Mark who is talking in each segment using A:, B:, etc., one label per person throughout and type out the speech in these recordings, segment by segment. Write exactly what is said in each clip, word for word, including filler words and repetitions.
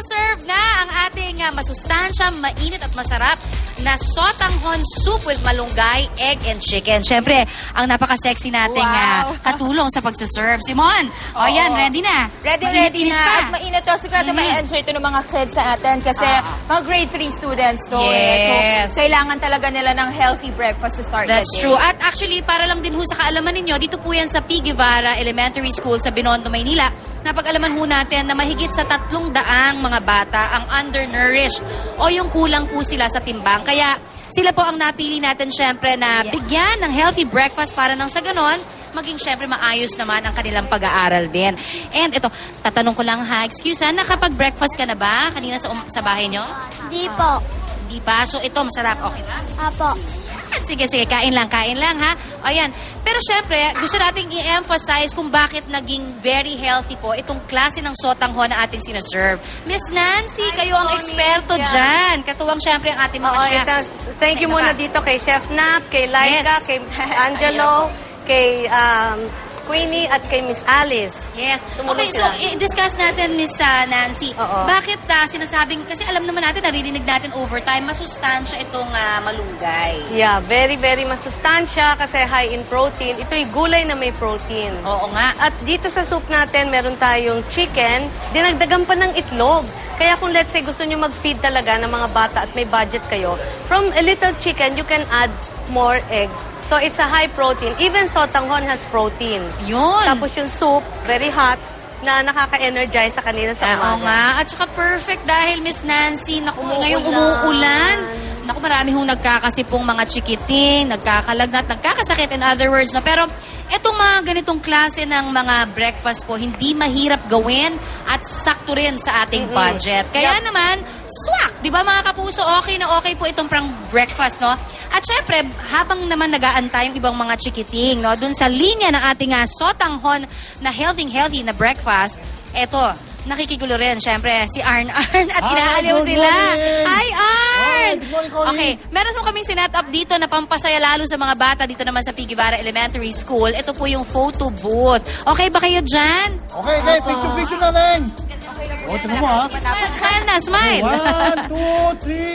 A: magsaserve na ang ating uh, masustansya, mainit at masarap na sotanghon soup with malunggay, egg, and chicken. Siyempre, ang napaka-sexy nating
B: Wow.
A: uh, katulong sa pagsaserve. Simon, o yan, ready na.
B: Ready,
A: Mainit
B: ready
A: pa.
B: na. At mainit to. Sigurado
A: Mhm.
B: may-enjoy ito ng mga kids sa atin kasi
A: Ah.
B: mga grade three students to.
A: Yes.
B: Eh. So, kailangan talaga nila ng healthy breakfast to start
A: That's
B: the day.
A: true. At actually, para lang din ho sa kaalaman ninyo, dito po yan sa P. Guevara Elementary School sa Binondo, Maynila. Napag-alaman ho natin na mahigit sa tatlong daang mga bata ang undernourished o yung kulang po sila sa timbang. Kaya sila po ang napili natin syempre na bigyan ng healthy breakfast para nang sa ganon, maging syempre maayos naman ang kanilang pag-aaral din. And ito, tatanong ko lang ha, excuse ha, nakapag-breakfast ka na ba kanina sa, um, sa bahay nyo?
C: Di po.
A: Hindi pa. So ito, masarap. Okay ba?
C: Apo.
A: Sige, sige, kain lang, kain lang, ha? O, ayan. Pero syempre, gusto nating i-emphasize kung bakit naging very healthy po itong klase ng sotanghon na ating sinaserve. Miss Nancy, kayo ang
B: Tony.
A: eksperto
B: Yeah.
A: dyan. Katuwang syempre ang ating mga
D: Oo,
A: chefs.
D: ito, thank you
A: Ito
D: muna
A: pa.
D: dito kay Chef Nap, kay Laika,
A: Yes.
D: kay Angelo, kay um, Queenie, at kay Miss Alice.
A: Yes.
D: Tumulong
A: Okay, so
D: sila.
A: i-discuss natin, Miss uh, Nancy.
D: Oo.
A: Bakit uh, sinasabing, kasi alam naman natin, naririnig natin overtime, masustansya itong uh, malunggay.
D: Yeah, very, very masustansya kasi high in protein. Ito'y gulay na may protein.
A: Oo nga.
D: At dito sa soup natin, meron tayong chicken, dinagdagan pa ng itlog. Kaya kung let's say gusto nyo mag-feed talaga ng mga bata at may budget kayo, from a little chicken, you can add more egg. So it's a high protein. Even sotanghon has protein.
A: Yun.
D: Tapos yung soup, very hot, na nakaka-energize sa kanila sa
A: Oo
D: umaga.
A: nga. At saka perfect dahil Miss Nancy, naku,
D: Umuulan.
A: ngayong umuulan. Naku, marami hong nagkakasipong mga chikiting, nagkakalagnat, nagkakasakit in other words. No? Pero etong mga ganitong klase ng mga breakfast po, hindi mahirap gawin at sakto rin sa ating
D: Mm-mm.
A: budget. Kaya
D: Yep.
A: naman, swak! Di ba mga kapuso, okay na okay po itong prang breakfast, no? At syempre, habang naman nag-aantay yung ibang mga chikiting, no? Dun sa linya ng ating uh, sotanghon na healthy-healthy na breakfast, eto, nakikigulo rin, syempre, si Arn Arn at
E: Hi,
A: inaaliw
E: good
A: sila.
E: morning.
A: Hi, Arn!
E: Hi, good morning, Connie.
A: Okay, meron po kaming sinet up dito na pampasaya lalo sa mga bata dito naman sa P. Guevara Elementary School. Ito po yung photo booth. Okay ba kayo dyan?
E: Okay, okay. Picture-picture na lang. O, tingnan mo ha.
A: Smile na, smile!
E: One, two, three,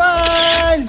E: smile!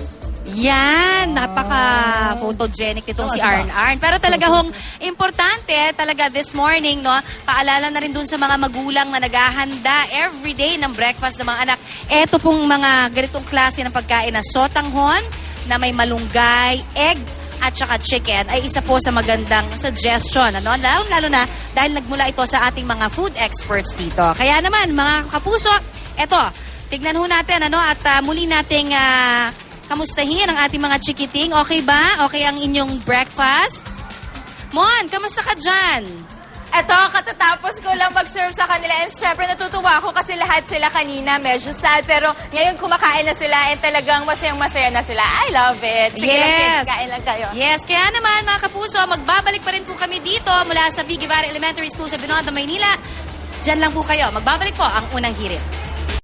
A: Yan, napaka-photogenic nitong si Arn Arn. Pero talaga hong importante, talaga this morning, no, paalala na rin dun sa mga magulang na naghahanda everyday ng breakfast ng mga anak. Eto pong mga ganitong klase ng pagkain na sotanghon, na may malunggay, egg, at saka chicken, ay isa po sa magandang suggestion. Ano? Lalo, lalo na dahil nagmula ito sa ating mga food experts dito. Kaya naman, mga kapuso, eto, tignan ho natin, ano, at uh, muli nating uh, kamustahin ang ating mga chikiting. Okay ba? Okay ang inyong breakfast? Mon, kamusta ka dyan?
B: Eto, katatapos ko lang mag-serve sa kanila and syempre natutuwa ako kasi lahat sila kanina medyo sad pero ngayon kumakain na sila and talagang masayang-masaya na sila. I love it. Sige lang, kids, kain lang kayo.
A: Yes, kaya naman mga kapuso, magbabalik pa rin po kami dito mula sa P. Guevara Elementary School sa Binondo, Maynila. Diyan lang po kayo. Magbabalik po ang unang hirit.